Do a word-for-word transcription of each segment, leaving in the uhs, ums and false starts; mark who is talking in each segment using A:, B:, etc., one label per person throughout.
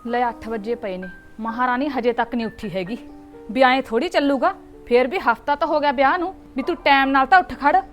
A: ਲੈ ਅੱਠ ਵਜੇ ਪਏ ਨੇ, ਮਹਾਰਾਣੀ ਹਜੇ ਤੱਕ ਨਹੀਂ ਉੱਠੀ ਹੈਗੀ। ਵੀ ਐਂ ਥੋੜੀ ਚੱਲੂਗਾ, ਫੇਰ ਵੀ ਹਫਤਾ ਤਾਂ ਹੋ ਗਿਆ ਵਿਆਹ ਨੂੰ, ਵੀ ਤੂੰ ਟਾਈਮ ਨਾਲ ਤਾਂ ਉੱਠ ਖੜ।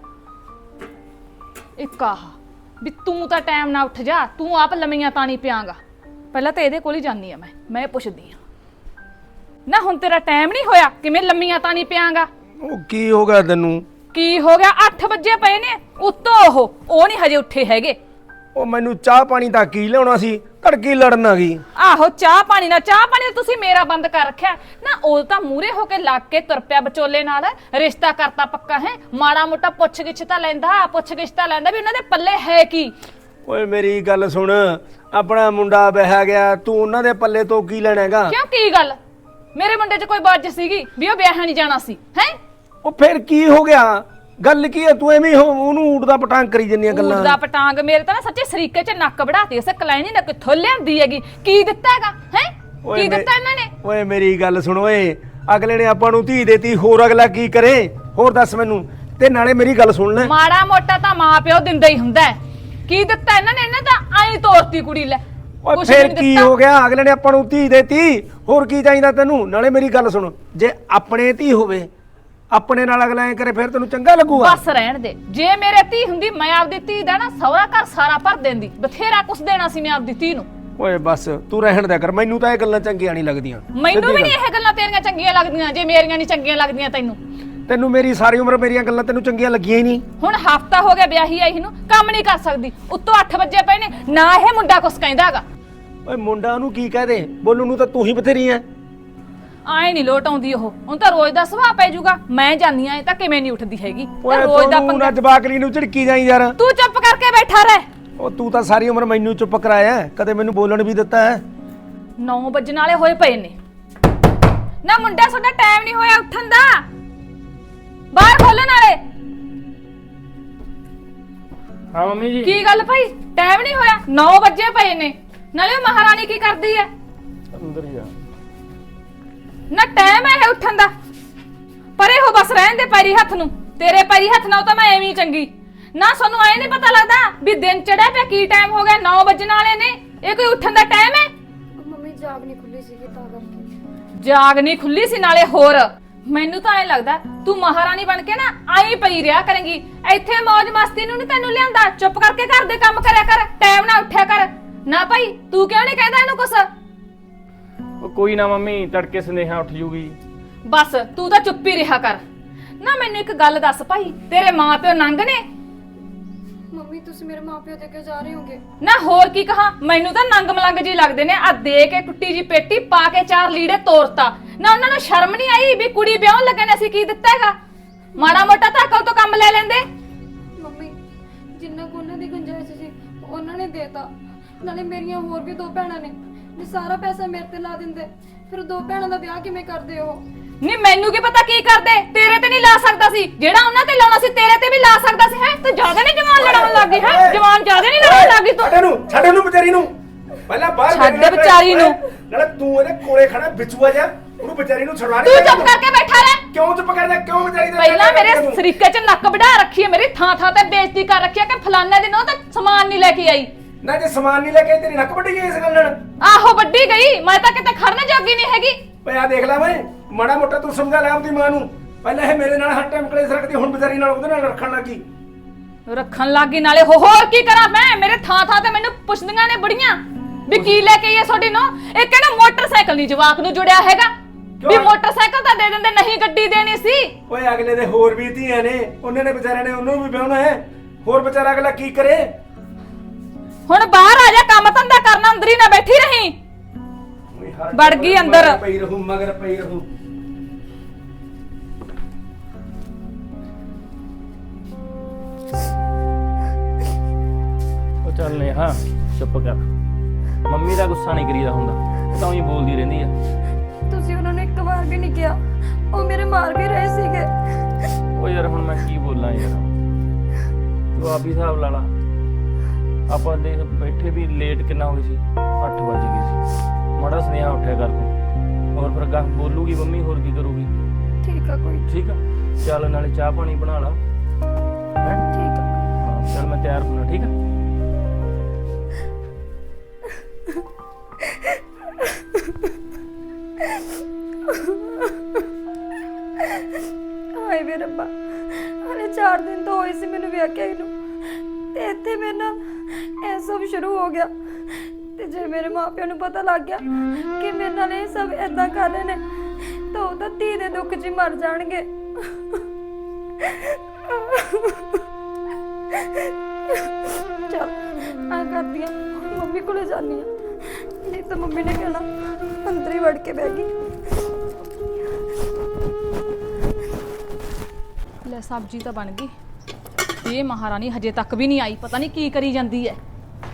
A: ਇੱਕ ਆਹ ਵੀ ਤੂੰ ਤਾਂ ਟਾਈਮ ਨਾਲ ਉੱਠ ਜਾ, ਤੂੰ ਆਪ ਲੰਮੀਆਂ ਤਾਣੀ ਪਿਆਂਗਾ। ਪਹਿਲਾਂ ਤਾਂ ਇਹਦੇ ਕੋਲ ਹੀ ਜਾਂਦੀ ਆ ਮੈਂ ਮੈਂ ਪੁੱਛਦੀ ਆ ਨਾ, ਹੁਣ ਤੇਰਾ ਟਾਈਮ ਨਹੀਂ ਹੋਇਆ, ਕਿਵੇਂ ਲੰਮੀਆਂ ਤਾਣੀ ਪਿਆਂਗਾ?
B: ਉਹ ਕੀ ਹੋ ਗਿਆ ਤੈਨੂੰ?
A: ਕੀ ਹੋ ਗਿਆ? ਅੱਠ ਵਜੇ ਪਏ ਨੇ, ਉੱਤੋਂ ਉਹ ਉਹ ਨਹੀਂ ਹਜੇ ਉੱਠੇ ਹੈਗੇ।
B: ਉਹ ਮੈਨੂੰ ਚਾਹ ਪਾਣੀ ਤਾਂ ਕੀ ਲਿਆਉਣਾ ਸੀ, ਘੜਕੀ ਲੜਨ ਆ ਗਈ।
A: ਆਹੋ ਚਾਹ ਪਾਣੀ ਨਾ ਚਾਹ ਪਾਣੀ ਤਾਂ ਤੁਸੀਂ ਮੇਰਾ ਬੰਦ ਕਰ ਰੱਖਿਆ ਨਾ। ਉਹ ਤਾਂ ਮੂਰੇ ਹੋ ਕੇ ਲੱਗ ਕੇ ਤੁਰ ਪਿਆ ਵਿਚੋਲੇ ਨਾਲ, ਰਿਸ਼ਤਾ ਕਰਤਾ ਪੱਕਾ ਹੈ। ਮਾੜਾ ਮੋਟਾ ਪੁੱਛ ਗਿੱਛ ਤਾਂ ਲੈਂਦਾ, ਪੁੱਛ ਗਿੱਛ ਤਾਂ ਲੈਂਦਾ ਵੀ ਉਹਨਾਂ ਦੇ ਪੱਲੇ ਹੈ ਕੀ।
B: ਓਏ ਮੇਰੀ ਗੱਲ ਸੁਣ, ਆਪਣਾ ਮੁੰਡਾ ਵਿਆਹ ਗਿਆ, ਤੂੰ ਉਹਨਾਂ ਦੇ ਪੱਲੇ ਤੋਂ ਕੀ ਲੈਣਾਗਾ?
A: ਕਿਉਂ ਕੀ ਗੱਲ? ਮੇਰੇ ਮੁੰਡੇ 'ਚ ਕੋਈ ਬਾਜ ਸੀਗੀ ਵੀ ਉਹ ਵਿਆਹ ਨਹੀਂ ਜਾਣਾ ਸੀ ਹੈ?
B: ਉਹ ਫਿਰ ਕੀ ਹੋ ਗਿਆ? ਗੱਲ ਕੀ ਹੈ? ਤੂੰ ਐਵੇਂ ਉਹਨੂੰ ਊਟ ਦਾ ਪਟਾਂਗ ਕਰੀ ਜੰਨੀਆਂ ਗੱਲਾਂ।
A: ਊਟ ਦਾ ਪਟਾਂਗ? ਮੇਰੇ ਤਾਂ ਨਾ ਸੱਚੇ ਸਰੀਕੇ 'ਚ ਨੱਕ ਵੜਾਤੀ ਉਸ ਕਲੈਣੀ ਨੇ, ਕਿੱਥੋਂ ਲਿਆਂਦੀ ਹੈਗੀ? ਕੀ ਦਿੱਤਾ ਹੈਗਾ ਹੈ? ਕੀ ਦਿੱਤਾ ਇਹਨਾਂ ਨੇ?
B: ਓਏ ਮੇਰੀ ਗੱਲ ਸੁਣ ਓਏ, ਅਗਲੇ ਨੇ ਆਪਾਂ ਨੂੰ ਧੀ ਦੇਤੀ, ਹੋਰ ਅਗਲਾ ਕੀ ਕਰੇ? ਹੋਰ ਦੱਸ ਮੈਨੂੰ। ਤੇ ਨਾਲੇ ਮੇਰੀ ਗੱਲ ਸੁਣ ਲੈ,
A: ਮਾੜਾ ਮੋਟਾ ਤਾਂ ਮਾਂ ਪਿਓ ਦਿੰਦਾ ਹੀ ਹੁੰਦਾ ਹੈ। ਕੀ ਦਿੱਤਾ ਇਹਨਾਂ ਨੇ? ਇਹਨਾਂ ਤਾਂ ਆਈ ਤੋਰਤੀ ਕੁੜੀ ਲੈ।
B: ਓਏ ਫਿਰ ਕੀ ਹੋ ਗਿਆ? ਅਗਲੇ ਨੇ ਆਪਾਂ ਨੂੰ ਧੀ ਦੇਤੀ, ਹੋਰ ਕੀ ਚਾਹੀਦਾ ਤੈਨੂੰ? ਨਾਲੇ ਮੇਰੀ ਗੱਲ ਸੁਣ, ਜੇ ਆਪਣੇ ਧੀ ਹੋਵੇ, ਆਪਣੇ ਨਾਲ ਅਗਲਾ ਐ ਕਰੇ, ਫਿਰ ਤੈਨੂੰ ਚੰਗਾ ਲੱਗੂਗਾ?
A: ਬਸ ਰਹਿਣ ਦੇ। ਜੇ ਮੇਰੇ ਧੀ ਹੁੰਦੀ, ਮੈਂ ਆਪਦੀ ਧੀ ਦਾ ਨਾ ਸਹੁਰਾ ਘਰ ਸਾਰਾ ਭਰ ਦਿੰਦੀ, ਬਥੇਰਾ ਕੁਛ ਦੇਣਾ ਸੀ ਮੈਂ ਆਪਦੀ ਧੀ ਨੂੰ।
B: ਓਏ ਬਸ ਤੂੰ ਰਹਿਣ ਦਿਆ ਕਰ, ਮੈਨੂੰ ਤਾਂ ਇਹ ਗੱਲਾਂ ਚੰਗੀਆਂ ਨਹੀਂ ਲੱਗਦੀਆਂ।
A: ਮੈਨੂੰ ਵੀ ਨਹੀਂ ਇਹ ਗੱਲਾਂ ਤੇਰੀਆਂ ਚੰਗੀਆਂ ਲੱਗਦੀਆਂ, ਜੇ ਮੇਰੀਆਂ ਨਹੀਂ ਚੰਗੀਆਂ ਲੱਗਦੀਆਂ ਤੈਨੂੰ।
B: ਤੈਨੂੰ ਮੇਰੀ ਸਾਰੀ ਉਮਰ ਮੇਰੀਆਂ ਗੱਲਾਂ ਤੈਨੂੰ ਚੰਗੀਆਂ ਲੱਗੀਆਂ ਹੀ ਨਹੀਂ।
A: ਹੁਣ ਹਫਤਾ ਹੋ ਗਿਆ ਵਿਆਹੀ ਆਈ ਨੂੰ, ਕੰਮ ਨਹੀਂ ਕਰ ਸਕਦੀ, ਉੱਤੋਂ ਅੱਠ ਵਜੇ ਪਏ ਨੇ, ਨਾ ਇਹ ਮੁੰਡਾ ਕੁਛ ਕਹਿੰਦਾ ਹੈਗਾ।
B: ਓਏ ਮੁੰਡਾ ਨੂੰ ਕੀ ਕਹਦੇ, ਬੋਲੂ ਨੂੰ ਤਾਂ ਤੂੰ ਹੀ ਬਥੇਰੀ ਐ।
A: ਆਏ ਨਹੀਂ ਲੋਟ ਆਉਂਦੀ ਉਹ, ਹੁਣ ਤਾਂ ਰੋਜ਼ ਦਾ ਸੁਭਾਅ ਪੈ ਜਾਊਗਾ। ਮੈਂ ਜਾਨੀ ਆ, ਇਹ ਤਾਂ ਕਿਵੇਂ ਨਹੀਂ ਉੱਠਦੀ ਹੈਗੀ।
B: ਓਏ
A: ਰੋਜ਼ ਦਾ
B: ਤੂੰ ਨਾ ਜਵਾਕਲੀ ਨੂੰ ਝਿੜਕੀ ਜਾਈ ਯਾਰ।
A: ਤੂੰ ਚੁੱਪ ਕਰਕੇ ਬੈਠਾ ਰਹਿ।
B: ਉਹ ਤੂੰ ਤਾਂ ਸਾਰੀ ਉਮਰ ਮੈਨੂੰ ਚੁੱਪ ਕਰਾਇਆ, ਕਦੇ ਮੈਨੂੰ ਬੋਲਣ ਵੀ ਦਿੱਤਾ ਹੈ?
A: ਨੌ ਵਜਣ ਵਾਲੇ ਹੋਏ ਪਏ ਨੇ ਨਾ। ਮੁੰਡਾ ਤੁਹਾਡਾ ਟਾਈਮ ਨਹੀਂ ਹੋਇਆ ਉੱਠਣ ਦਾ, ਬਾਹਰ ਖੋਲਣ ਵਾਲੇ।
C: ਹਾਂ ਮੰਮੀ ਜੀ।
A: ਕੀ ਗੱਲ ਭਾਈ, ਟਾਈਮ ਨਹੀਂ ਹੋਇਆ? ਨੌ ਵਜੇ ਪਏ ਨੇ। ਨਾਲੇ ਉਹ ਮਹਾਰਾਣੀ ਕੀ ਕਰਦੀ ਹੈ?
C: ਅੰਦਰ ਹੀ ਆ
A: ਨਾ ਟਾਈਮ ਹੈ ਉੱਠਣ ਦਾ। ਪਰੇ ਹੋ ਬਸ, ਰਹਿਣ ਦੇ ਪੈਰੀ ਹੱਥ ਨੂੰ। ਤੇਰੇ ਪੈਰੀ ਹੱਥ ਨਾਲ ਤਾਂ ਮੈਂ ਐਵੇਂ ਹੀ ਚੰਗੀ ਨਾ। ਸਾਨੂੰ ਐ ਨਹੀਂ ਪਤਾ ਲੱਗਦਾ ਵੀ ਦਿਨ ਚੜਿਆ ਪਿਆ, ਕੀ ਟਾਈਮ ਹੋ ਗਿਆ? ਨੌ ਵਜਣ ਵਾਲੇ ਨੇ, ਇਹ ਕੋਈ ਉੱਠਣ ਦਾ ਟਾਈਮ ਹੈ?
D: ਮੰਮੀ ਜਾਗ ਨਹੀਂ ਖੁੱਲੀ ਸੀ ਤਾਂ ਕਰਕੇ।
A: ਜਾਗ ਨਹੀਂ ਖੁੱਲੀ ਸੀ? ਨਾਲੇ ਹੋਰ ਮੈਨੂੰ ਤਾਂ ਐ ਲੱਗਦਾ ਤੂੰ ਮਹਾਰਾਣੀ ਬਣ ਕੇ ਨਾ ਆਈ ਪਈ ਰਿਹਾ ਕਰੇਂਗੀ ਇੱਥੇ। ਮौज ਮਸਤੀ ਨੂੰ ਨਹੀਂ ਤੈਨੂੰ ਲਿਆਂਦਾ, ਚੁੱਪ ਕਰਕੇ ਘਰ ਦੇ ਕੰਮ ਕਰਿਆ ਕਰ, ਟਾਈਮ ਨਾਲ ਉੱਠਿਆ ਕਰ। ਨਾ ਭਾਈ ਤੂੰ ਕਿਉਂ ਨਹੀਂ ਕਹਿੰਦਾ ਇਹਨੂੰ ਕੁਛ?
C: ਉਹ ਕੋਈ ਨਾ ਮੰਮੀ, ਤੜਕੇ ਸੰਦੇਹਾ ਉੱਠ ਜੂਗੀ।
A: ਬਸ ਤੂੰ ਤਾਂ ਚੁੱਪ ਹੀ ਰਿਹਾ ਕਰ ਨਾ। ਮੈਨੂੰ ਇੱਕ ਗੱਲ ਦੱਸ ਭਾਈ, ਤੇਰੇ ਮਾਂ ਪਿਓ ਨੰਗ ਨੇ?
D: ਮੰਮੀ ਤੁਸੀਂ ਮੇਰੇ ਮਾਪਿਓ ਦੇ ਕਿਉਂ ਜਾ ਰਹੇ ਹੋਗੇ?
A: ਨਾ ਹੋਰ ਕੀ ਕਹਾਂ, ਮੈਨੂੰ ਤਾਂ ਨੰਗ ਮਲੰਗ ਜੀ ਲੱਗਦੇ ਨੇ। ਆ ਦੇ ਕੇ ਟੁੱਟੀ ਜੀ ਪੇਟੀ ਪਾ ਕੇ ਚਾਰ ਲੀੜੇ ਤੋਰਤਾ ਨਾ। ਉਹਨਾਂ ਨੂੰ ਸ਼ਰਮ ਨਹੀਂ ਆਈ ਵੀ ਕੁੜੀ ਵਿਆਹਣ ਲੱਗੇ ਨੇ, ਅਸੀਂ ਕੀ ਦਿੱਤਾ ਹੈਗਾ? ਮਾੜਾ ਮੋਟਾ ਤਾਂ ਅਕਲ ਤੋਂ ਕੰਮ ਲੈ ਲੈਂਦੇ।
D: ਮੰਮੀ ਜਿੰਨਾ ਕੋ ਉਹਨਾਂ ਦੀ ਗੁੰਜਾਇਸ਼ ਸੀ ਉਹਨਾਂ ਨੇ ਦੇਤਾ। ਨਾਲੇ ਮੇਰੀਆਂ ਹੋਰ ਵੀ ਦੋ ਭੈਣਾਂ ਨੇ, ਜੇ ਸਾਰਾ ਪੈਸਾ ਮੇਰੇ ਤੇ ਲਾ ਦਿੰਦੇ ਫਿਰ ਦੋ ਭੈਣਾਂ ਦਾ ਵਿਆਹ ਕਿਵੇਂ ਕਰਦੇ ਹੋ?
A: ਨਹੀਂ ਮੈਨੂੰ ਕੀ ਪਤਾ ਕੀ ਕਰਦੇ, ਤੇਰੇ ਤੇ ਨਹੀਂ ਲਾ ਸਕਦਾ ਸੀ ਜਿਹੜਾ ਉਹਨਾਂ ਤੇ ਲਾਉਣਾ ਸੀ, ਤੇਰੇ ਤੇ ਵੀ ਲਾ ਸਕਦਾ ਸੀ। ਹੈ ਤੂੰ ਜ਼ਿਆਦਾ ਨਹੀਂ ਜਵਾਨ ਲੜਾਉਣ ਲੱਗੀ ਹੈ? ਜਵਾਨ ਜ਼ਿਆਦਾ ਨਹੀਂ ਲੜਾਉਣ ਲੱਗੀ ਤੂੰ?
B: ਛੱਡ ਇਹਨੂੰ, ਛੱਡ ਇਹਨੂੰ ਵਿਚਾਰੀ ਨੂੰ। ਪਹਿਲਾਂ ਬਾਹਰ
A: ਛੱਡ ਵਿਚਾਰੀ ਨੂੰ।
B: ਨਾਲੇ ਤੂੰ ਇਹਦੇ ਕੋਲੇ ਖੜਾ ਵਿਚੂਆ ਜਾ, ਉਹਨੂੰ ਵਿਚਾਰੀ ਨੂੰ ਛੁਡਵਾ
A: ਤੂੰ ਚੁੱਪ ਕਰਕੇ ਬੈਠਾ ਰਹਿ।
B: ਕਿਉਂ ਚੁੱਪ ਕਰਦਾ? ਕਿਉਂ ਵਿਚਾਰੀ ਦਾ?
A: ਪਹਿਲਾਂ ਮੇਰੇ ਸਰੀਕੇ 'ਚ ਨੱਕ ਵਢਾ ਰੱਖੀ ਹੈ, ਮੇਰੀ ਥਾਂ ਥਾਂ ਤੇ ਬੇਇੱਜ਼ਤੀ ਕਰ ਰੱਖੀ ਹੈ ਕਿ ਫਲਾਣੇ ਦਿਨ ਉਹ ਤਾਂ ਸਮਾਨ ਨਹੀਂ ਲੈ ਕੇ ਆਈ।
B: ਨਾ ਜੇ ਸਮਾਨ ਨਹੀਂ ਲੈ ਕੇ ਤੇਰੀ ਨੱਕ ਵੱਢੀ ਗਈ ਇਸ ਗੱਲ ਨਾਲ।
A: ਆਹੋ ਵੱਡੀ ਗਈ, ਮੈਂ ਤਾਂ ਕਿਤੇ ਖੜਨ ਜੋਗੀ ਨਹੀਂ ਹੈਗੀ।
B: ਓਏ ਆ ਦੇਖ ਲੈ ਓਏ, ਮਾੜਾ ਮੋਟਾ ਤੂੰ ਸਮਝਾ ਲੈ ਆਪਦੀ ਮਾਂ ਨੂੰ। ਪਹਿਲਾਂ ਇਹ ਮੇਰੇ ਨਾਲ ਹਰ ਟਾਈਮ ਕਲੇਸ਼ ਰੱਖਦੀ, ਹੁਣ ਵਿਚਾਰੀ ਨਾਲ ਉਹਦੇ ਨਾਲ ਰੱਖਣ ਲੱਗੀ।
A: ਰੱਖਣ ਲੱਗੀ ਨਾਲੇ ਹੋ ਹੋਰ ਕੀ ਕਰਾਂ ਮੈਂ? ਮੇਰੇ ਥਾਂ ਥਾਂ ਤੇ ਮੈਨੂੰ ਪੁੱਛਦੀਆਂ ਨੇ ਬੜੀਆਂ ਵੀ ਕੀ ਲੈ ਕੇ ਆਈਏ ਤੁਹਾਡੀ ਨੂੰ। ਇਹ ਕਹਿੰਦਾ ਮੋਟਰਸਾਈਕਲ ਨਹੀਂ ਜਵਾਕ ਨੂੰ ਜੁੜਿਆ ਹੈਗਾ, ਵੀ ਮੋਟਰਸਾਈਕਲ ਤਾਂ ਦੇ ਦਿੰਦੇ, ਨਹੀਂ ਗੱਡੀ ਦੇਣੀ ਸੀ।
B: ਓਏ ਅਗਲੇ ਦੇ ਹੋਰ ਵੀ ਧੀਆਂ ਨੇ, ਉਹਨਾਂ ਨੇ ਵਿਚਾਰਿਆਂ ਨੇ ਉਹਨੂੰ ਵੀ ਵਿਆਹਣਾ ਹੈ। ਹੋਰ ਵਿਚਾਰਾ ਅਗਲਾ ਕੀ ਕਰੇ?
A: ਹੁਣ ਬਾਹਰ ਆ ਜਾ, ਕੰਮ ਧੰਦਾ ਕਰਨਾ, ਅੰਦਰ ਹੀ ਨਾ ਬੈਠੀ ਰਹੀ। ਵੜ ਗਈ ਅੰਦਰ।
B: ਪਈ ਰਹੂ ਮਗਰ ਪਈ ਰਹੂ।
C: ਉਹ ਚੱਲ ਨੇ ਹਾਂ ਚੁੱਪ ਕਰ। ਮੰਮੀ ਦਾ ਗੁੱਸਾ ਨਹੀਂ ਕਰੀਦਾ ਹੁੰਦਾ, ਉਹ ਤਾਂ ਹੀ ਬੋਲਦੀ ਰਹਿੰਦੀ ਆ।
D: ਤੁਸੀਂ ਉਹਨਾਂ ਨੂੰ ਇੱਕ ਵਾਰ ਵੀ ਨਹੀਂ ਕਿਹਾ, ਉਹ ਮੇਰੇ ਮਾਰ ਵੀ ਰਹੇ ਸੀਗੇ।
C: ਉਹ ਯਾਰ ਹੁਣ ਮੈਂ ਕੀ ਬੋਲਾਂ ਯਾਰ, ਤੂੰ ਆਪ ਹੀ ਹਿਸਾਬ ਲਾ ਲਾ। ਆਪਾਂ ਦੇਖ ਬੈਠੇ ਵੀ ਲੇਟ ਕਿੰਨਾ ਹੋਈ ਸੀ, ਅੱਠ ਵੱਜ ਗਏ ਸੀ। ਮਾੜਾ ਸੁਨੇਹਾ ਉੱਠਿਆ ਕਰ ਤੂੰ, ਹੋਰ ਫਿਰ ਗਾਹ ਬੋਲੂਗੀ ਮੰਮੀ, ਹੋਰ ਕੀ ਕਰੂਗੀ?
D: ਠੀਕ ਆ ਕੋਈ।
C: ਠੀਕ ਆ ਚੱਲ, ਨਾਲੇ ਚਾਹ ਪਾਣੀ ਬਣਾ ਲਾ। ਹੈ
D: ਠੀਕ ਆ।
C: ਹਾਂ ਚੱਲ ਮੈਂ ਤਿਆਰ ਹੋਣਾ। ਠੀਕ ਆ
D: ਹਾਏ ਵੇ ਰੱਬਾ, ਹਲੇ ਚਾਰ ਦਿਨ ਤੋਂ ਹੋਏ ਸੀ ਮੈਨੂੰ ਵਿਆਹ ਕੇ ਆਈ ਨੂੰ, ਤੇ ਇੱਥੇ ਮੇਰੇ ਨਾਲ ਇਹ ਸਭ ਸ਼ੁਰੂ ਹੋ ਗਿਆ। ਤੇ ਜੇ ਮੇਰੇ ਮਾਪਿਆਂ ਨੂੰ ਪਤਾ ਲੱਗ ਗਿਆ ਕਿ ਮੇਰੇ ਨਾਲ ਇਹ ਸਭ ਏਦਾਂ ਕਰ ਰਹੇ ਨੇ, ਤਾਂ ਉਹ ਤਾਂ ਧੀ ਦੇ ਦੁੱਖ 'ਚ ਹੀ ਮਰ ਜਾਣਗੇ। ਚਲ ਆ ਕਰਦੀ ਆ, ਮੰਮੀ ਕੋਲੇ ਜਾਂਦੀ ਆ, ਨਹੀਂ ਤਾਂ ਮੰਮੀ ਨੇ ਕਹਿਣਾ ਅੰਦਰ ਹੀ ਵੜ ਕੇ ਬਹਿ ਗਈ।
A: ਲੈ ਸਬਜ਼ੀ ਤਾਂ ਬਣ ਗਈ। ਇਹ ਮਹਾਰਾਣੀ ਹਜੇ ਤੱਕ ਵੀ ਨਹੀਂ ਆਈ, ਪਤਾ ਨਹੀਂ ਕੀ ਕਰੀ ਜਾਂਦੀ ਹੈ।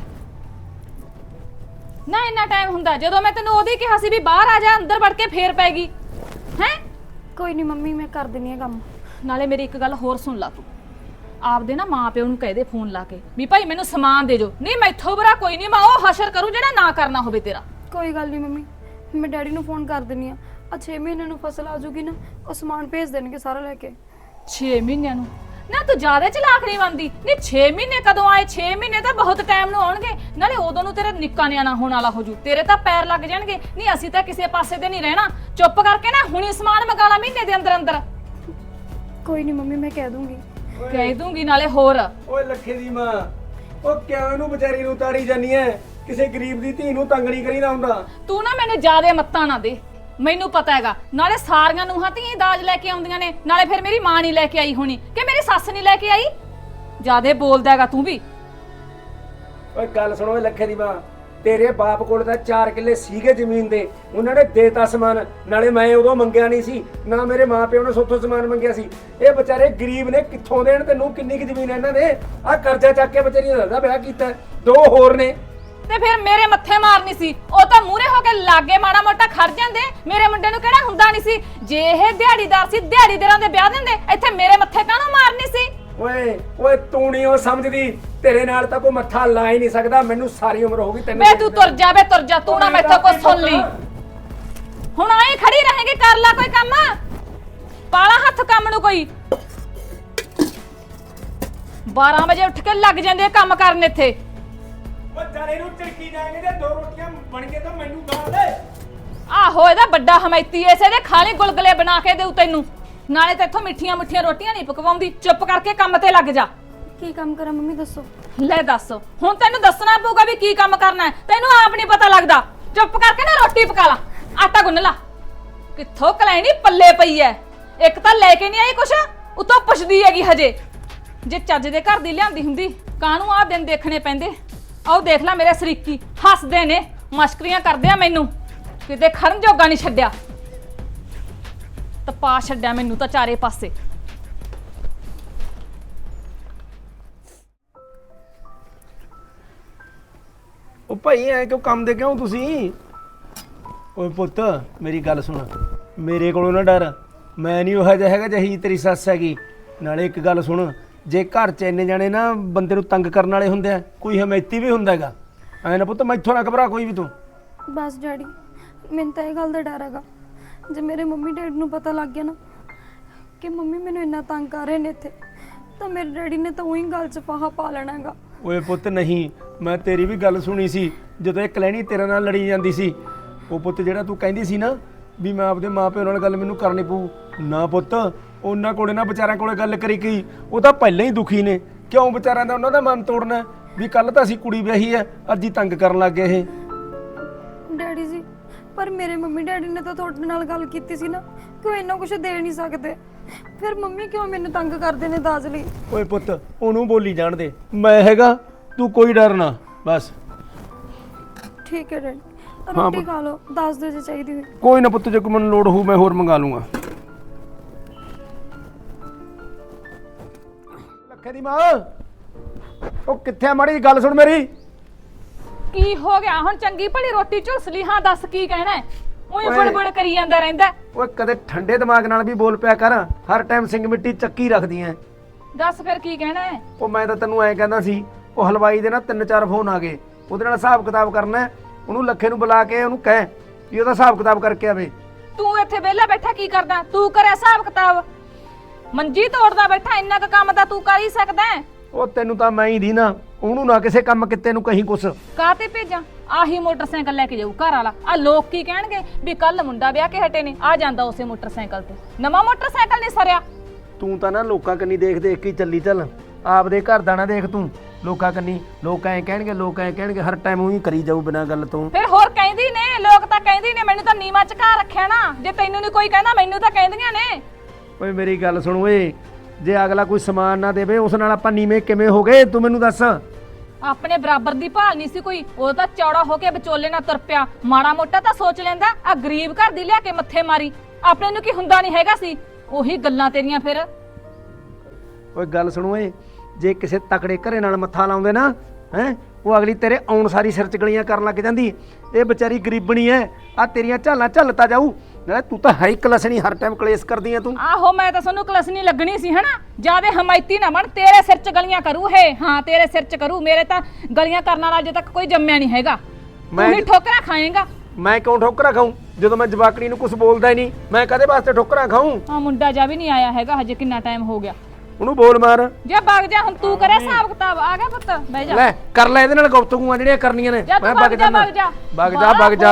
A: ਨਾ ਇੰਨਾ ਟਾਈਮ ਹੁੰਦਾ, ਜਦੋਂ ਮੈਂ ਤੈਨੂੰ ਉਹਦੀ ਕਿਹਾ ਸੀ ਵੀ ਬਾਹਰ ਆ ਜਾ, ਅੰਦਰ ਵੜ ਕੇ ਫੇਰ ਪੈ ਗਈ ਹੈ।
D: ਕੋਈ ਨਹੀਂ ਮੰਮੀ, ਮੈਂ ਕਰ ਦਿੰਦੀ ਆ ਕੰਮ।
A: ਨਾਲੇ ਮੇਰੀ ਇੱਕ ਗੱਲ ਹੋਰ ਸੁਣ ਲਾ ਤੂੰ, ਆਪਦੇ ਨਾ ਮਾਂ ਪਿਓ ਨੂੰ ਕਹਿ ਦੇ ਫੋਨ ਲਾ ਕੇ ਵੀ ਭਾਈ ਮੈਨੂੰ ਸਮਾਨ ਦੇ ਜੋ। ਨਹੀਂ ਮੈਥੋਂ ਬੁਰਾ ਕੋਈ ਨਹੀਂ, ਮੈਂ ਉਹ ਹਸ਼ਰ ਕਰੂੰ ਜਿਹੜਾ ਨਾ ਕਰਨਾ ਹੋਵੇ ਤੇਰਾ।
D: ਕੋਈ ਗੱਲ ਨਹੀਂ ਮੰਮੀ, ਮੈਂ ਡੈਡੀ ਨੂੰ ਫੋਨ ਕਰ ਦਿੰਦੀ ਆ। ਆ ਛੇ ਮਹੀਨੇ ਨੂੰ ਫਸਲ ਆ ਜੂਗੀ ਨਾ, ਉਹ ਸਮਾਨ ਭੇਜ ਦੇਣਗੇ ਸਾਰਾ ਲੈ ਕੇ।
A: ਛੇ ਮਹੀਨਿਆਂ ਨੂੰ? ਨਾ ਤੂੰ ਜ਼ਿਆਦਾ ਚਲਾਕ ਨਹੀਂ ਬਣਦੀ। ਨਹੀਂ ਛੇ ਮਹੀਨੇ ਕਦੋਂ ਆਏ? ਛੇ ਮਹੀਨੇ ਤਾਂ ਬਹੁਤ ਟਾਈਮ ਨੂੰ ਆਉਣਗੇ, ਨਾਲੇ ਉਦੋਂ ਨੂੰ ਤੇਰਾ ਨਿੱਕਾ ਨਿਆਣਾ ਹੋਣ ਵਾਲਾ ਹੋ ਜੂ, ਤੇਰੇ ਤਾਂ ਪੈਰ ਲੱਗ ਜਾਣਗੇ। ਨਹੀਂ ਅਸੀਂ ਤਾਂ ਕਿਸੇ ਪਾਸੇ ਤੇ ਨਹੀਂ ਰਹਿਣਾ, ਚੁੱਪ ਕਰਕੇ ਨਾ ਹੁਣੀ ਸਮਾਨ ਮੰਗਾ ਲਾ ਮਹੀਨੇ ਦੇ ਅੰਦਰ ਅੰਦਰ।
D: ਕੋਈ ਨਹੀਂ ਮੰਮੀ, ਮੈਂ ਕਹਿ ਦੂੰਗੀ।
A: ਕਹਿ ਦੂੰਗੀ ਨਾਲੇ ਹੋਰ।
B: ਓਏ ਲੱਖੇ ਦੀ ਮਾਂ, ਉਹ ਕਿਉਂ ਇਹਨੂੰ ਵਿਚਾਰੀ ਨੂੰ ਤਾੜੀ ਜਾਨੀ ਐ? ਕਿਸੇ ਗਰੀਬ ਦੀ ਧੀ ਨੂੰ ਤੰਗ ਨਹੀਂ ਕਰੀਦਾ ਹੁੰਦਾ।
A: ਤੂੰ ਨਾ ਮੈਨੂੰ ਜ਼ਿਆਦਾ ਮੱਤਾਂ ਨਾ ਦੇ, ਮੈਨੂੰ ਪਤਾ ਹੈਗਾ। ਨਾਲੇ ਸਾਰੀਆਂ ਨੂੰਹਾਂ ਧੀਆਂ ਦਾਜ ਲੈ ਕੇ ਆਉਂਦੀਆਂ ਨੇ, ਨਾਲੇ ਫਿਰ ਮੇਰੀ ਮਾਂ ਨਹੀਂ ਲੈ ਕੇ ਆਈ ਹੋਣੀ ਕਿ ਮੇਰੀ ਸੱਸ ਨਹੀਂ ਲੈ ਕੇ ਆਈ। ਜ਼ਿਆਦਾ ਬੋਲਦਾ ਹੈਗਾ ਤੂੰ ਵੀ।
B: ਓਏ ਗੱਲ ਸੁਣੋ ਓਏ ਲੱਖੇ ਦੀ ਮਾਂ, ਤੇਰੇ ਬਾਪ ਕੋਲ ਤਾਂ ਚਾਰ ਕਿੱਲੇ ਸੀਗੇ ਜ਼ਮੀਨ ਦੇ, ਉਹਨਾਂ ਨੇ ਦੇਤਾ ਸਮਾਨ। ਨਾਲੇ ਮੈਂ ਉਦੋਂ ਮੰਗਿਆ ਨਹੀਂ ਸੀ, ਨਾ ਮੇਰੇ ਮਾਪਿਓ ਨੇ ਸੋਥੋਂ ਸਮਾਨ ਮੰਗਿਆ ਸੀ। ਇਹ ਵਿਚਾਰੇ ਗਰੀਬ ਨੇ, ਕਿੱਥੋਂ ਦੇਣ ਤੈਨੂੰ? ਕਿੰਨੀ ਕੁ ਜ਼ਮੀਨ ਇਹਨਾਂ ਦੇ? ਆਹ ਕਰਜ਼ਾ ਚੱਕ ਕੇ ਵਿਚਾਰੀਆਂ ਦਾ ਵਿਆਹ ਕੀਤਾ, ਦੋ ਹੋਰ ਨੇ।
A: ਤੇ ਫਿਰ ਮੇਰੇ ਮੱਥੇ ਮਾਰਨੀ ਸੀ, ਉਹ ਤਾਂ ਮੂਹਰੇ ਹੋ ਕੇ ਲਾਗੇ ਮਾੜਾ ਮੋਟਾ ਖੜ ਜਾਂਦੇ। ਮੇਰੇ ਮੁੰਡੇ ਨੂੰ ਕਿਹੜਾ ਹੁੰਦਾ ਨਹੀਂ ਸੀ? ਜੇ ਇਹ ਦਿਹਾੜੀਦਾਰ ਸੀ, ਦਿਹਾੜੀਦਾਰਾਂ ਦੇ ਵਿਆਹ ਦਿੰਦੇ, ਇੱਥੇ ਮੇਰੇ ਮੱਥੇ ਕਾਹਨੂੰ ਮਾਰਨੀ ਸੀ?
B: ਓਏ ਓਏ ਤੂੰ ਨਹੀਂ ਉਹ ਸਮਝਦੀ, ਤੇਰੇ ਨਾਲ ਤਾਂ ਕੋਈ ਮੱਥਾ ਲਾ ਹੀ ਨਹੀਂ ਸਕਦਾ। ਮੈਨੂੰ ਸਾਰੀ ਉਮਰ ਹੋ ਗਈ ਤੈਨੂੰ।
A: ਵੇ ਤੂੰ ਤੁਰ ਜਾ, ਵੇ ਤੁਰ ਜਾ, ਤੂੰ ਨਾ ਮੈਥੋਂ ਕੁਝ ਸੁਣ ਲਈ। ਹੁਣ ਆਏ ਖੜੀ ਰਹੇਗੀ, ਕਰ ਲੈ ਕੋਈ ਕੰਮ, ਪਾਲਾ ਹੱਥ ਕੰਮ ਨੂੰ ਕੋਈ। ਬਾਰਾਂ ਵਜੇ ਉੱਠ ਕੇ ਲੱਗ ਜਾਂਦੇ ਆ ਕੰਮ ਕਰਨ ਇੱਥੇ।
B: ਓ ਜਾਰੇ ਨੂੰ ਝਿੜਕੀ ਜਾਏਂਗੇ ਤੇ ਦੋ ਰੋਟੀਆਂ ਬਣ ਕੇ ਤਾਂ ਮੈਨੂੰ ਦਾਲ ਦੇ।
A: ਆਹੋ ਇਹਦਾ ਵੱਡਾ ਹਮੈਤੀ ਐਸੇ ਦੇ ਖਾਲੀ ਗੁਲਗੁਲੇ ਬਣਾ ਕੇ ਦੇਉ ਤੈਨੂੰ। ਨਾਲੇ ਤੇ ਇੱਥੋਂ ਮਿੱਠੀਆਂ ਮਿੱਠੀਆਂ ਰੋਟੀਆਂ ਨਹੀਂ ਪਕਵਾਉਂਦੀ। ਚੁੱਪ ਕਰਕੇ ਕੰਮ ਤੇ ਲੱਗ ਜਾ।
D: ਕੀ ਕੰਮ ਕਰਾਂ ਮੰਮੀ, ਦੱਸੋ।
A: ਲੈ ਦੱਸ, ਹੁਣ ਤੈਨੂੰ ਦੱਸਣਾ ਪਊਗਾ ਵੀ ਕੀ ਕੰਮ ਕਰਨਾ ਹੈ। ਤੈਨੂੰ ਆਪ ਨਹੀਂ ਪਤਾ ਲੱਗਦਾ। ਚੁੱਪ ਕਰਕੇ ਨਾ ਰੋਟੀ ਪਕਾ ਲਾ, ਆਟਾ ਗੁੰਨ ਲਾ। ਕਿੱਥੋਂ ਕਲੈਣੀ ਪੱਲੇ ਪਈ ਐ। ਇੱਕ ਤਾਂ ਲੈ ਕੇ ਨਹੀਂ ਆਈ ਕੁਛ, ਉਤੋਂ ਪੁੱਛਦੀ ਹੈਗੀ ਹਜੇ। ਜੇ ਚੱਜ ਦੇ ਘਰ ਦੀ ਲਿਆਂਦੀ ਹੁੰਦੀ, ਕਾਹਨੂੰ ਆਹ ਦਿਨ ਦੇਖਣੇ ਪੈਂਦੇ। ਆਓ ਦੇਖ ਲੈ ਮੇਰੇ ਸਰੀਕੀ ਹੱਸਦੇ ਨੇ, ਮਸ਼ਕਰੀਆਂ ਕਰਦੇ ਆ ਮੈਨੂੰ। ਕਿਤੇ ਖਰਨ ਜੋਗਾ ਨਹੀਂ ਛੱਡਿਆ, ਤਪਾ ਛੱਡਿਆ ਮੈਨੂੰ ਤਾਂ ਚਾਰੇ ਪਾਸੇ।
B: ਉਹ ਭਾਈ ਐ ਕਿਉਂ ਕੰਮ ਦੇ ਕਿਉਂ ਤੁਸੀਂ? ਓਏ ਪੁੱਤ ਮੇਰੀ ਗੱਲ ਸੁਣ, ਮੇਰੇ ਕੋਲੋਂ ਨਾ ਡਰ। ਮੈਂ ਨਹੀਂ ਉਹ ਜਿਹਾ ਹੈਗਾ ਜਿਹੀ ਤੇਰੀ ਸੱਸ ਹੈਗੀ। ਨਾਲੇ ਇੱਕ ਗੱਲ ਸੁਣ, ਜੇ ਘਰ 'ਚ ਇੰਨੇ ਜਾਣੇ ਨਾ ਬੰਦੇ ਨੂੰ ਤੰਗ ਕਰਨ ਵਾਲੇ ਹੁੰਦੇ ਆ, ਕੋਈ ਹਮੈਤੀ ਵੀ ਹੁੰਦਾ ਹੈਗਾ। ਐ ਨਾ ਪੁੱਤ ਮੈਥੋਂ ਨਾ ਘਬਰਾ ਕੋਈ ਵੀ ਤੂੰ।
D: ਬਸ ਡੈਡੀ, ਮੈਨੂੰ ਤਾਂ ਇਹ ਗੱਲ ਦਾ ਡਰ ਹੈਗਾ, ਜੇ ਮੇਰੇ ਮੰਮੀ ਡੈਡੀ ਨੂੰ ਪਤਾ ਲੱਗ ਗਿਆ ਨਾ ਕਿ ਮੰਮੀ ਮੈਨੂੰ ਇੰਨਾ ਤੰਗ ਕਰ ਰਹੇ ਨੇ ਇੱਥੇ, ਤਾਂ ਮੇਰੇ ਡੈਡੀ ਨੇ ਤਾਂ ਉਹੀ ਗੱਲ 'ਚ ਫਾਹਾ ਪਾ ਲੈਣਾ ਹੈਗਾ।
B: ਓਏ ਪੁੱਤ ਨਹੀਂ, ਮੈਂ ਤੇਰੀ ਵੀ ਗੱਲ ਸੁਣੀ ਸੀ ਜਦੋਂ ਇਹ ਕਲੈਣੀ ਤੇਰੇ ਨਾਲ ਲੜੀ ਜਾਂਦੀ ਸੀ। ਉਹ ਪੁੱਤ ਜਿਹੜਾ ਤੂੰ ਕਹਿੰਦੀ ਸੀ ਨਾ ਵੀ ਮੈਂ ਆਪਦੇ ਮਾਪਿਆਂ ਨਾਲ ਗੱਲ ਮੈਨੂੰ ਕਰਨੀ ਪਊ, ਨਾ ਪੁੱਤ ਉਹਨਾਂ ਕੋਲੇ ਨਾ ਵਿਚਾਰਿਆਂ ਕੋਲੇ ਗੱਲ ਕਰੀ ਗਈ। ਉਹ ਤਾਂ ਪਹਿਲਾਂ ਹੀ ਦੁਖੀ ਨੇ, ਕਿਉਂ ਵਿਚਾਰਿਆਂ ਦਾ ਉਹਨਾਂ ਦਾ ਮਨ ਤੋੜਨਾ ਵੀ ਕੱਲ ਤਾਂ ਅਸੀਂ ਕੁੜੀ ਵਿਆਹੀ ਐ, ਅੱਜ ਹੀ ਤੰਗ ਕਰਨ ਲੱਗ ਗਏ ਇਹ।
D: ਡੈਡੀ ਜੀ, ਪਰ ਮੇਰੇ ਮੰਮੀ ਡੈਡੀ ਨੇ ਤਾਂ ਤੁਹਾਡੇ ਨਾਲ ਗੱਲ ਕੀਤੀ ਸੀ ਨਾ ਕਿ ਉਹ ਇੰਨਾ ਕੁਝ ਦੇ ਨਹੀਂ ਸਕਦੇ, ਫਿਰ ਮੰਮੀ ਕਿਉਂ ਮੈਨੂੰ ਤੰਗ ਕਰਦੇ ਨੇ ਦਾਜ ਲਈ?
B: ਓਏ ਪੁੱਤ ਉਹਨੂੰ ਬੋਲੀ ਜਾਣ ਦੇ, ਮੈਂ ਹੈਗਾ, ਤੂੰ ਕੋਈ ਡਰ ਨਾ ਬਸ।
D: ਠੀਕ ਹੈ ਡੈਡੀ,
B: ਹਾਂ
D: ਰੋਟੀ
B: ਪੁੱਤ।
D: ਖਾ ਲਓ, ਦੱਸ ਦਿਓ ਜੇ ਚਾਹੀਦੀ ਹੋਈ।
B: ਕੋਈ ਨਾ ਪੁੱਤ, ਜੇ ਕੋਈ ਮੈਨੂੰ ਲੋੜ ਹੋਊ ਮੈਂ ਹੋਰ ਮੰਗਾ ਲੂੰਗਾ। ਲੱਖੇ ਦੀ ਮਾਂ, ਉਹ ਕਿੱਥੇ ਆ? ਮਾੜੀ ਗੱਲ ਸੁਣ ਮੇਰੀ।
A: ਕੀ ਹੋ ਗਿਆ ਹੁਣ? ਚੰਗੀ ਭਲੀ ਰੋਟੀ ਝੁਲਸ ਲਈ। ਹਾਂ ਦੱਸ ਕੀ ਕਹਿਣਾ ਹੈ? ਉਹੀ
B: ਓਏ।
A: ਬੜਬੜ ਕਰੀ ਜਾਂਦਾ ਰਹਿੰਦਾ।
B: ਓਏ ਕਦੇ ਠੰਡੇ ਦਿਮਾਗ ਨਾਲ ਵੀ ਬੋਲ ਪਿਆ ਕਰ, ਹਰ ਟਾਈਮ ਸਿੰਘ ਮਿੱਟੀ ਚੱਕੀ ਰੱਖਦੀ ਐ।
A: ਦੱਸ ਫਿਰ ਕੀ ਕਹਿਣਾ ਹੈ?
B: ਉਹ ਮੈਂ ਤਾਂ ਤੈਨੂੰ ਐਂ ਕਹਿੰਦਾ ਸੀ, ਉਹ ਹਲਵਾਈ ਦੇ ਨਾ ਤਿੰਨ ਚਾਰ ਫੋਨ ਆ ਗਏ, ਉਹਦੇ ਨਾਲ ਹਿਸਾਬ ਕਿਤਾਬ ਕਰਨਾ ਹੈ। ਉਹਨੂੰ ਲੱਖੇ ਨੂੰ ਬੁਲਾ ਕੇ ਉਹਨੂੰ ਕਹਿ ਵੀ ਉਹਦਾ ਹਿਸਾਬ ਕਿਤਾਬ ਕਰਕੇ ਆਵੇ।
A: ਤੂੰ ਇੱਥੇ ਵਿਹਲਾ ਬੈਠਾ ਕੀ ਕਰਦਾ? ਤੂੰ ਕਰਿਆ ਹਿਸਾਬ ਕਿਤਾਬ? ਮੰਜੀ ਤੋੜਦਾ ਬੈਠਾ, ਇੰਨਾ ਕੁ ਕੰਮ ਤਾਂ ਤੂੰ ਕਰ ਹੀ ਸਕਦਾ ਹੈ।
B: ਉਹ ਤੈਨੂੰ ਤਾਂ ਮੈਂ ਹੀ ਦੀ ਨਾ, ਉਹਨੂੰ ਨਾ ਕਿਸੇ ਕੰਮ ਕਿਤੇ ਨੂੰ ਕਹੀਂ ਕੁਛ।
A: ਕਾਹਤੇ ਭੇਜਾਂ? ਆਹੀ ਮੋਟਰਸਾਈਕਲ ਲੈ ਕੇ ਜਾਊ ਘਰ ਵਾਲਾ। ਆ ਲੋਕ ਕੀ ਕਹਿਣਗੇ ਵੀ ਕੱਲ ਮੁੰਡਾ ਵਿਆਹ ਕੇ ਹਟੇ ਨੇ, ਆ ਜਾਂਦਾ ਉਸੇ ਮੋਟਰਸਾਈਕਲ ਤੇ। ਨਵਾਂ ਮੋਟਰਸਾਈਕਲ ਨਹੀਂ ਸਰਿਆ।
B: ਤੂੰ ਤਾਂ ਨਾ ਲੋਕਾਂ ਕੰਨੀ ਦੇਖ ਦੇਖ ਕੇ ਹੀ ਚੱਲੀ ਚੱਲ, ਆਪਦੇ ਘਰ ਦਾ ਨਾ ਦੇਖ ਤੂੰ ਲੋਕਾਂ ਕੰਨੀ। ਲੋਕ ਐਂ ਕਹਿਣਗੇ ਲੋਕ ਐਂ ਕਹਿਣਗੇ, ਹਰ ਟਾਈਮ ਉਹੀ ਕਰੀ ਜਾਊ ਬਿਨਾਂ ਗੱਲ ਤੋਂ।
A: ਫਿਰ ਹੋਰ ਕਹਿੰਦੀ ਨੇ ਲੋਕ, ਤਾਂ ਕਹਿੰਦੀ ਨੇ। ਮੈਨੂੰ ਤਾਂ ਨੀਵਾਂ ਚਕਾ ਰੱਖਿਆ ਨਾ। ਜੇ ਤੈਨੂੰ ਨਹੀਂ ਕੋਈ ਕਹਿੰਦਾ, ਮੈਨੂੰ ਤਾਂ ਕਹਿੰਦੀਆਂ ਨੇ।
B: ਓਏ ਮੇਰੀ ਗੱਲ ਸੁਣ ਓਏ, ਜੇ ਅਗਲਾ ਕੋਈ ਸਮਾਨ ਨਾ ਦੇਵੇ ਉਸ ਨਾਲ ਆਪਾਂ ਨੀਵੇਂ ਕਿਵੇਂ ਹੋ ਗਏ ਤੂੰ ਮੈਨੂੰ ਦੱਸ।
A: ਆਪਣੇ ਬਰਾਬਰ ਦੀ ਭਾਲ ਨਹੀਂ ਸੀ ਕੋਈ। ਉਹ ਤਾਂ ਚੌੜਾ ਹੋ ਕੇ ਵਿਚੋਲੇ ਨਾਲ ਤੁਰ ਪਿਆ। ਮਾੜਾ ਮੋਟਾ ਤਾਂ ਸੋਚ ਲੈਂਦਾ। ਆ ਗਰੀਬ ਘਰ ਦੀ ਲਿਆ ਕੇ ਮੱਥੇ ਮਾਰੀ। ਆਪਣੇ ਨੂੰ ਕੀ ਹੁੰਦਾ ਨਹੀਂ ਹੈਗਾ ਸੀ। ਉਹੀ ਗੱਲਾਂ ਤੇਰੀਆਂ ਫਿਰ।
B: ਓਏ ਗੱਲ ਸੁਣ ਓਏ, ਜੇ ਕਿਸੇ ਤਕੜੇ ਘਰੇ ਨਾਲ ਮੱਥਾ ਲਾਉਂਦੇ ਨਾ ਹੈ, ਉਹ ਅਗਲੀ ਤੇਰੇ ਆਉਣ ਸਾਰੀ ਸਿਰ ਚ ਗਲੀਆਂ ਕਰਨ ਲੱਗ ਜਾਂਦੀ। ਇਹ ਵਿਚਾਰੀ ਗਰੀਬਣੀ ਐ, ਆ ਤੇਰੀਆਂ ਝਾਲਾਂ ਝੱਲਤਾ ਜਾਊ। ਨਾਲੇ ਤੂੰ ਤਾਂ ਹੈ ਹੀ ਕਲਸਣੀ, ਹਰ ਟਾਈਮ ਕਲੇਸ਼ ਕਰਦੀ ਆ ਤੂੰ।
A: ਆਹੋ ਮੈਂ ਤਾਂ ਸਾਨੂੰ ਕਲਸਨੀ ਲੱਗਣੀ ਸੀ ਹਨਾ। ਜਿਆਦੇ ਹਮਾਇਤੀ ਨਾ ਬਣ। ਤੇਰੇ ਸਿਰ ਚ ਗਲੀਆਂ ਕਰੂ ਇਹ। ਹਾਂ ਤੇਰੇ ਸਿਰ ਚ ਕਰੂ। ਮੇਰੇ ਤਾਂ ਗਲੀਆਂ ਕਰਨ ਵਾਲਾ ਅਜੇ ਤੱਕ ਕੋਈ ਜੰਮਿਆ ਨਹੀਂ ਹੈਗਾ।
B: ਮੈਂ-
A: ਤੂੰ ਹੀ ਠੋਕਰਾਂ ਖਾਏਂਗਾ।
B: ਮੈਂ ਕਿਉਂ ਠੋਕਰਾਂ ਖਾਊਂ ਜਦੋਂ ਮੈਂ ਜਵਾਕੜੀ ਨੂੰ ਕੁਝ ਬੋਲਦਾ ਹੀ ਨਹੀਂ? ਮੈਂ ਕਦੇ ਵਾਸਤੇ ਠੋਕਰਾਂ ਖਾਊਂ?
A: ਆ ਮੁੰਡਾ ਜਾ ਵੀ ਨਹੀਂ ਆਇਆ ਹੈਗਾ ਹਜੇ। ਕਿੰਨਾ ਟਾਈਮ ਹੋ ਗਿਆ।
B: ਉਹਨੂੰ ਬੋਲ ਮਾਰ।
A: ਜਾ ਵਗ ਜਾ ਹੁਣ। ਤੂੰ ਕਰੇ ਹਿਸਾਬ ਕਿਤਾਬ। ਆ ਗਿਆ ਪੁੱਤ, ਬਹਿ ਜਾ।
B: ਲੈ ਕਰ ਲੈ ਇਹਦੇ ਨਾਲ ਗੁਫ਼ਤਗੂਆਂ ਜਿਹੜੀਆਂ ਕਰਨੀਆਂ ਨੇ।
A: ਜਾ ਤੂੰ ਵਗ ਜਾ, ਵਗ ਜਾ,
B: ਵਗ ਜਾ ਵਗ ਜਾ।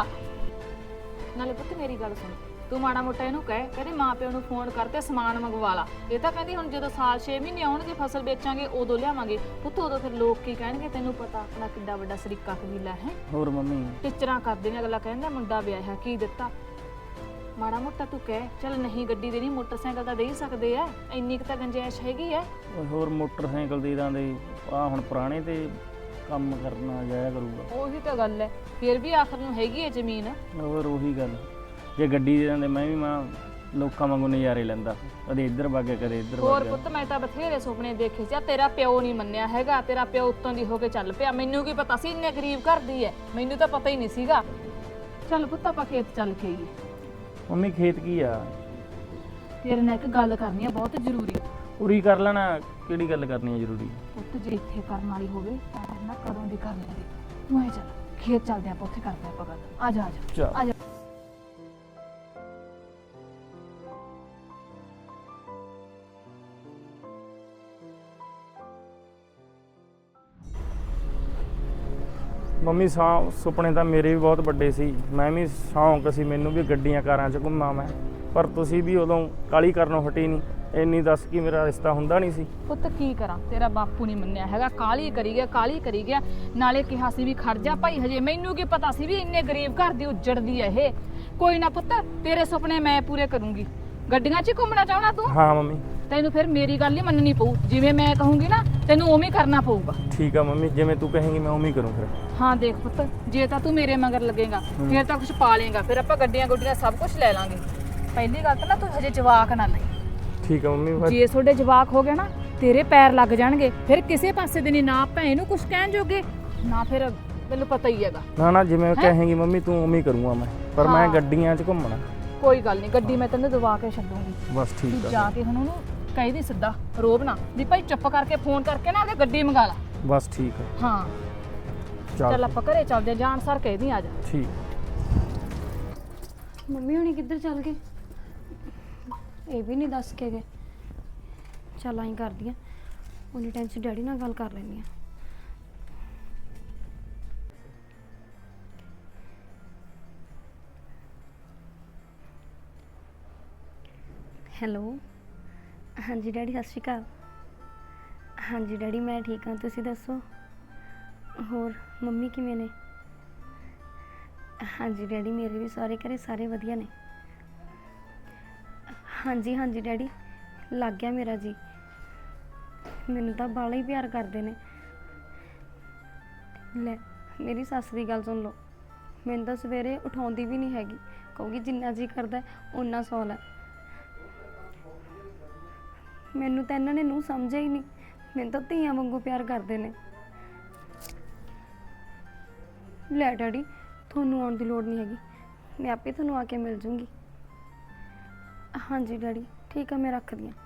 A: ਨਾਲੇ ਪੁੱਤ ਮੇਰੀ ਗੱਲ ਸੁਣ, ਤੂੰ ਮਾੜਾ ਮੋਟਾ ਇਹਨੂੰ ਕਹਿ, ਕਹਿੰਦੇ ਮਾਂ ਪਿਓ ਨੂੰ ਫੋਨ ਕਰਕੇ ਸਮਾਨ ਮੰਗਵਾ ਲਾ। ਇਹ ਤਾਂ ਕਹਿੰਦੀ ਹੁਣ ਜਦੋਂ ਸਾਲ ਛੇ ਮਹੀਨੇ ਆਉਣਗੇ ਫਸਲ ਵੇਚਾਂਗੇ ਉਦੋਂ ਲਿਆਵਾਂਗੇ। ਪੁੱਤ ਉਦੋਂ ਫਿਰ ਲੋਕ ਕੀ ਕਹਿਣਗੇ? ਤੈਨੂੰ ਪਤਾ ਆਪਣਾ ਕਿੱਡਾ ਵੱਡਾ ਸਰੀਕਾ ਕਬੀਲਾ ਹੈ।
C: ਹੋਰ ਮੰਮੀ
A: ਟੀਚਰਾਂ ਕਰਦੇ ਨੇ। ਅਗਲਾ ਕਹਿੰਦਾ ਮੁੰਡਾ ਵਿਆਹਿਆ ਕੀ ਦਿੱਤਾ। ਮਾੜਾ ਮੋਟਾ ਤੂੰ ਕਹਿ, ਚੱਲ ਨਹੀਂ ਗੱਡੀ ਦੇਣੀ ਮੋਟਰਸਾਈਕਲ ਤਾਂ ਦੇ ਹੀ ਸਕਦੇ ਆ। ਇੰਨੀ ਕੁ ਤਾਂ ਗੰਜਾਇਸ਼ ਹੈਗੀ ਐ।
C: ਓਏ ਹੋਰ ਮੋਟਰਸਾਈਕਲ ਦੇ ਦਾਂਦੇ ਆ, ਹੁਣ ਪੁਰਾਣੇ ਤੇ ਕੰਮ ਕਰਨਾ ਜਾਇਆ ਕਰੂਗਾ।
A: ਉਹੀ ਤਾਂ ਗੱਲ ਐ। ਫਿਰ ਵੀ ਆਖਰ ਨੂੰ ਹੈਗੀ ਐ ਜ਼ਮੀਨ।
C: ਹੋਰ ਉਹੀ ਗੱਲ, ਜੇ ਗੱਡੀ ਦੇ ਦਿੰਦੇ ਮੈਂ ਵੀ ਮਾਂ ਲੋਕਾਂ ਵਾਂਗੂ ਨਜ਼ਾਰੇ ਲੈਂਦਾ, ਕਦੇ ਇੱਧਰ ਵਗ ਕਦੇ ਇੱਧਰ
A: ਹੋਰ
C: ਵਗ।
A: ਪੁੱਤ ਮੈਂ ਤਾਂ ਬਥੇਰੇ ਸੁਪਨੇ ਦੇਖੇ ਸੀ। ਆ ਤੇਰਾ ਪਿਓ ਨਹੀਂ ਮੰਨਿਆ ਹੈਗਾ। ਤੇਰਾ ਪਿਓ ਉੱਤੋਂ ਦੀ ਹੋ ਕੇ ਚੱਲ ਪਿਆ। ਮੈਨੂੰ ਕੀ ਪਤਾ ਸੀ ਇੰਨੇ ਗਰੀਬ ਘਰ ਦੀ ਐ। ਮੈਨੂੰ ਤਾਂ ਪਤਾ ਹੀ ਨਹੀਂ ਸੀਗਾ। ਚੱਲ ਪੁੱਤ ਆਪਾਂ ਖੇਤ ਚੱਲ ਕੇ ਆਈਏ।
C: ਮੰਮੀ ਖੇਤ ਕੀ ਆ?
A: ਤੇਰੇ ਨਾਲ ਇੱਕ ਗੱਲ ਕਰਨੀ ਆ ਬਹੁਤ ਜ਼ਰੂਰੀ।
C: ਪੂਰੀ ਕਰ ਲੈਣਾ। ਕਿਹੜੀ ਗੱਲ ਕਰਨੀ ਹੈ ਜ਼ਰੂਰੀ?
A: ਪੁੱਤ ਜੇ ਇੱਥੇ ਕਰਨ ਵਾਲੀ ਹੋਵੇ ਤਾਂ ਨਾ ਕਦੋਂ ਦੀ ਕਰ ਲੈਂਦੇ। ਤੂੰ ਆ ਚੱਲ ਖੇਤ ਚੱਲਦੇ ਆਪਾਂ, ਉੱਥੇ ਕਰਦੇ ਆਪਾਂ ਗੱਲ। ਆ ਜਾ ਆ ਜਾ
C: ਚੱਲ।
A: ਆ ਜਾ।
C: ਮੰਮੀ ਸੌ ਸੁਪਨੇ ਤਾਂ ਮੇਰੇ ਵੀ ਬਹੁਤ ਵੱਡੇ ਸੀ। ਮੈਂ ਵੀ ਸ਼ੌਂਕ ਸੀ ਮੈਨੂੰ ਵੀ ਗੱਡੀਆਂ ਕਾਰਾਂ 'ਚ ਘੁੰਮਾਂ ਮੈਂ, ਪਰ ਤੁਸੀਂ ਵੀ ਉਦੋਂ ਕਾਲੀ ਕਰਨੋਂ ਹਟੀ ਨਹੀਂ। ਇੰਨੀ ਦੱਸ ਕੀ ਮੇਰਾ ਰਿਸ਼ਤਾ ਹੁੰਦਾ ਨਹੀਂ ਸੀ?
A: ਪੁੱਤ ਕੀ ਕਰਾਂ, ਤੇਰਾ ਬਾਪੂ ਨਹੀਂ ਮੰਨਿਆ ਹੈਗਾ। ਕਾਲੀ ਕਰੀ ਗਿਆ, ਕਾਲੀ ਕਰੀ ਗਿਆ। ਨਾਲੇ ਕਿਹਾ ਸੀ ਵੀ ਖੜ ਜਾ ਭਾਈ ਹਜੇ। ਮੈਨੂੰ ਕੀ ਪਤਾ ਸੀ ਵੀ ਇੰਨੇ ਗਰੀਬ ਘਰ ਦੀ ਉੱਜੜਦੀ ਐ ਇਹ। ਕੋਈ ਨਾ ਪੁੱਤ, ਤੇਰੇ ਸੁਪਨੇ ਮੈਂ ਪੂਰੇ ਕਰੂੰਗੀ। ਗੱਡੀਆਂ 'ਚ ਹੀ ਘੁੰਮਣਾ ਚਾਹਣਾ ਤੂੰ?
C: ਹਾਂ ਮੰਮੀ।
A: ਤੈਨੂੰ ਫਿਰ ਮੇਰੀ ਗੱਲ ਹੀ ਮੰਨਣੀ ਪਊ। ਜਿਵੇਂ ਮੈਂ ਕਹੂੰਗੀ ਨਾ ਤੈਨੂੰ ਉਵੇਂ ਹੀ ਕਰਨਾ ਪਊਗਾ।
C: ਠੀਕ ਆ ਮੰਮੀ, ਜਿਵੇਂ ਤੂੰ ਕਹੇਂਗੀ ਮੈਂ ਉਵੇਂ ਹੀ ਕਰੂੰ ਫਿਰ।
A: ਹਾਂ ਦੇਖ ਪੁੱਤ, ਜੇ ਤਾਂ ਤੂੰ ਮੇਰੇ ਮਗਰ ਲੱਗੇਗਾ ਫਿਰ ਤਾਂ ਕੁਝ ਪਾ ਲੇਗਾ। ਫਿਰ ਆਪਾਂ ਗੱਡੀਆਂ ਗੁੱਡੀਆਂ ਸਭ ਕੁਝ ਲੈ ਲਾਂਗੇ। ਪਹਿਲੀ ਗੱਲ ਤਾਂ ਨਾ ਤੂੰ ਹਜੇ ਜਵਾਕ ਨਾ ਲਈ।
C: ਠੀਕ ਆ ਮੰਮੀ। ਫਿਰ
A: ਜੇ ਤੁਹਾਡੇ ਜਵਾਕ ਹੋ ਗਿਆ ਨਾ ਤੇਰੇ ਪੈਰ ਲੱਗ ਜਾਣਗੇ। ਫਿਰ ਕਿਸੇ ਪਾਸੇ ਦੇ ਨਹੀਂ, ਨਾ ਭੈਣ ਨੂੰ ਕੁਝ ਕਹਿਣ ਜੋਗੇ ਨਾ। ਫਿਰ ਮੈਨੂੰ ਪਤਾ ਹੀ ਹੈਗਾ।
C: ਨਾ ਨਾ ਜਿਵੇਂ ਕਹੇਂਗੀ ਮੰਮੀ ਤੂੰ ਉਵੇਂ ਹੀ ਕਰੂੰਗਾ ਮੈਂ, ਪਰ ਮੈਂ ਗੱਡੀਆਂ 'ਚ ਘੁੰਮਣਾ।
A: ਕੋਈ ਗੱਲ ਨਹੀਂ, ਗੱਡੀ ਮੈਂ ਤੈਨੂੰ ਦਵਾ ਕੇ ਛੱਡੂੰਗੀ।
C: ਬਸ ਠੀਕ
A: ਤੂੰ
C: ਆ।
A: ਜਾ ਕੇ ਹੁਣ ਉਹਨੂੰ ਕਹਿ ਦੀ ਸਿੱਧਾ, ਰੋਬ ਨਾ ਵੀ ਭਾਈ ਚੁੱਪ ਕਰਕੇ ਫੋਨ ਕਰਕੇ ਨਾ ਉਹਦੇ ਗੱਡੀ ਮੰਗਾ ਲਾ।
C: ਬਸ ਠੀਕ ਆ।
A: ਹਾਂ
C: ਚੱਲ
A: ਚੱਲ ਆਪਾਂ ਘਰੇ ਚੱਲਦੇ। ਜਾਣ ਸਰ ਕਹਿ ਦੀ ਆ ਜਾ।
C: ਠੀਕ।
D: ਮੰਮੀ ਹੁਣੀ ਕਿੱਧਰ ਚੱਲ ਗਏ? ਇਹ ਵੀ ਨਹੀਂ ਦੱਸ ਕੇ ਗਏ। ਚੱਲ ਆਈ ਕਰਦੀ ਆ, ਉਹਨੇ ਟੈਂਸ਼ਨ ਡੈਡੀ ਨਾਲ ਗੱਲ ਕਰ ਲੈਂਦੀ ਆ। ਹੈਲੋ, ਹਾਂਜੀ ਡੈਡੀ ਸਤਿ ਸ਼੍ਰੀ ਅਕਾਲ। ਹਾਂਜੀ ਡੈਡੀ ਮੈਂ ਠੀਕ ਹਾਂ, ਤੁਸੀਂ ਦੱਸੋ? ਹੋਰ ਮੰਮੀ ਕਿਵੇਂ ਨੇ? ਹਾਂਜੀ ਡੈਡੀ ਮੇਰੇ ਵੀ ਸਾਰੇ ਘਰੇ ਸਾਰੇ ਵਧੀਆ ਨੇ। ਹਾਂਜੀ ਹਾਂਜੀ ਡੈਡੀ ਲੱਗ ਗਿਆ ਮੇਰਾ ਜੀ। ਮੈਨੂੰ ਤਾਂ ਬਾਲਾ ਹੀ ਪਿਆਰ ਕਰਦੇ ਨੇ। ਲੈ ਮੇਰੀ ਸੱਸ ਦੀ ਗੱਲ ਸੁਣ ਲਓ। ਮੈਨੂੰ ਤਾਂ ਸਵੇਰੇ ਉਠਾਉਂਦੀ ਵੀ ਨਹੀਂ ਹੈਗੀ। ਕਹੂਗੀ ਜਿੰਨਾ ਜੀ ਕਰਦਾ ਓਨਾ ਸੌ ਲੈ। ਮੈਨੂੰ ਤਾਂ ਇਹਨਾਂ ਨੇ ਨੂੰ ਸਮਝਿਆ ਹੀ ਨਹੀਂ। ਮੈਨੂੰ ਤਾਂ ਧੀਆਂ ਵਾਂਗੂ ਪਿਆਰ ਕਰਦੇ ਨੇ। ਲੈ ਡੈਡੀ ਤੁਹਾਨੂੰ ਆਉਣ ਦੀ ਲੋੜ ਨਹੀਂ ਹੈਗੀ, ਮੈਂ ਆਪੇ ਤੁਹਾਨੂੰ ਆ ਕੇ ਮਿਲ ਜੂੰਗੀ। ਹਾਂਜੀ ਡੈਡੀ ਠੀਕ ਆ, ਮੈਂ ਰੱਖਦੀ ਹਾਂ।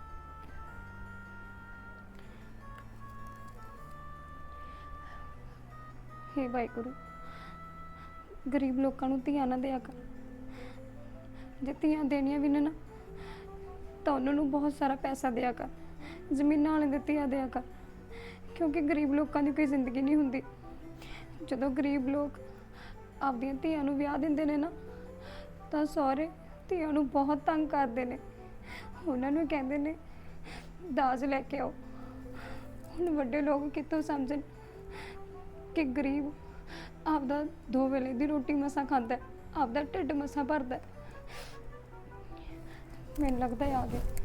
D: ਹੇ ਵਾਹਿਗੁਰੂ, ਗਰੀਬ ਲੋਕਾਂ ਨੂੰ ਧੀਆਂ ਨਾ ਦਿਆ ਕਰ। ਜੇ ਧੀਆਂ ਦੇਣੀਆਂ ਵੀ ਨੇ ਨਾ ਤਾਂ ਉਹਨਾਂ ਨੂੰ ਬਹੁਤ ਸਾਰਾ ਪੈਸਾ ਦਿਆ ਕਰ। ਜ਼ਮੀਨਾਂ ਵਾਲੇ ਦੇ ਧੀਆਂ ਦਿਆ ਕਰ, ਕਿਉਂਕਿ ਗਰੀਬ ਲੋਕਾਂ ਦੀ ਕੋਈ ਜ਼ਿੰਦਗੀ ਨਹੀਂ ਹੁੰਦੀ। ਜਦੋਂ ਗਰੀਬ ਲੋਕ ਆਪਦੀਆਂ ਧੀਆਂ ਨੂੰ ਵਿਆਹ ਦਿੰਦੇ ਨੇ ਨਾ ਤਾਂ ਸਹੁਰੇ ਧੀਆਂ ਨੂੰ ਬਹੁਤ ਤੰਗ ਕਰਦੇ ਨੇ। ਉਹਨਾਂ ਨੂੰ ਕਹਿੰਦੇ ਨੇ ਦਾਜ ਲੈ ਕੇ ਆਓ। ਹੁਣ ਵੱਡੇ ਲੋਕ ਕਿੱਥੋਂ ਸਮਝਣ ਕਿ ਗਰੀਬ ਆਪਦਾ ਦੋ ਵੇਲੇ ਦੀ ਰੋਟੀ ਮਸਾਂ ਖਾਂਦਾ ਹੈ, ਆਪਦਾ ਢਿੱਡ ਮਸਾਂ ਭਰਦਾ ਹੈ। ਮੈਨੂੰ ਲੱਗਦਾ ਆ ਗਿਆ।